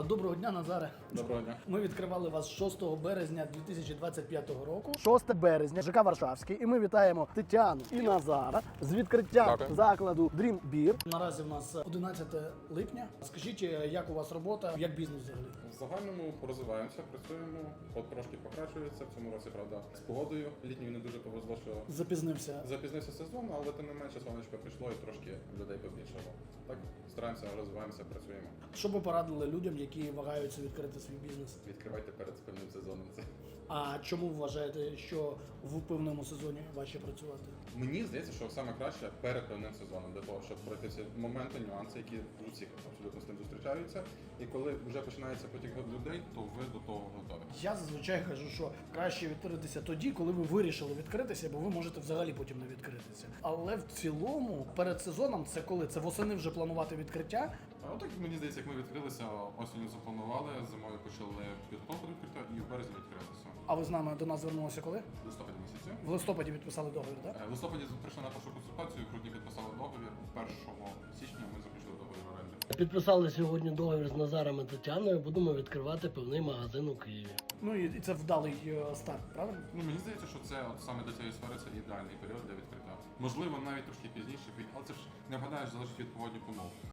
Доброго дня, Назаре. Доброго дня. Ми відкривали вас 6 березня 2025 року. 6 березня, ЖК Варшавський. І ми вітаємо Тетяну і Назара з відкриттям Дякую. закладу Dream Beer. Наразі в нас 11 липня. Скажіть, як у вас робота, як бізнес взагалі? В загальному розвиваємося, працюємо, трошки покращується. В цьому році, правда, з погодою літньою не дуже повезло, що запізнився сезон, але тим не менше сонечко прийшло і трошки людей побільшало. Так, стараємося, розвиваємося, працюємо. Що би порадили людям, які вагаються відкрити свій бізнес? Відкривайте перед певним сезоном це. А чому вважаєте, що в певному сезоні важче працювати? Мені здається, що саме краще перед певним сезоном, для того, щоб пройти ці моменти, нюанси, які у всіх абсолютно з тим зустрічаються. І коли вже починається потік людей, то ви до того готові. Я зазвичай кажу, що краще відкритися тоді, коли ви вирішили відкритися, бо ви можете взагалі потім не відкритися. Але в цілому, перед сезоном, це коли? Це восени вже планувати відкриття. А отак, мені здається, як ми відкрилися, осінню запланували, зимою почали підготовку до відкриття і в березні відкрилися. А ви з нами до нас звернулися коли? В листопаді місяці. В листопаді підписали договір, так? В листопаді прийшли на першу консультацію, в грудні підписали договір. 1 січня ми заключили договір оренди. Підписали сьогодні договір з Назаром і Тетяною. Будемо відкривати певний магазин у Києві. Ну і це вдалий старт, правильно? Ну, мені здається, що це от саме для цієї сфери це ідеальний період для відкриття. Можливо, навіть трошки пізніше, але це ж не вгадаєш, залежить від погодних умов.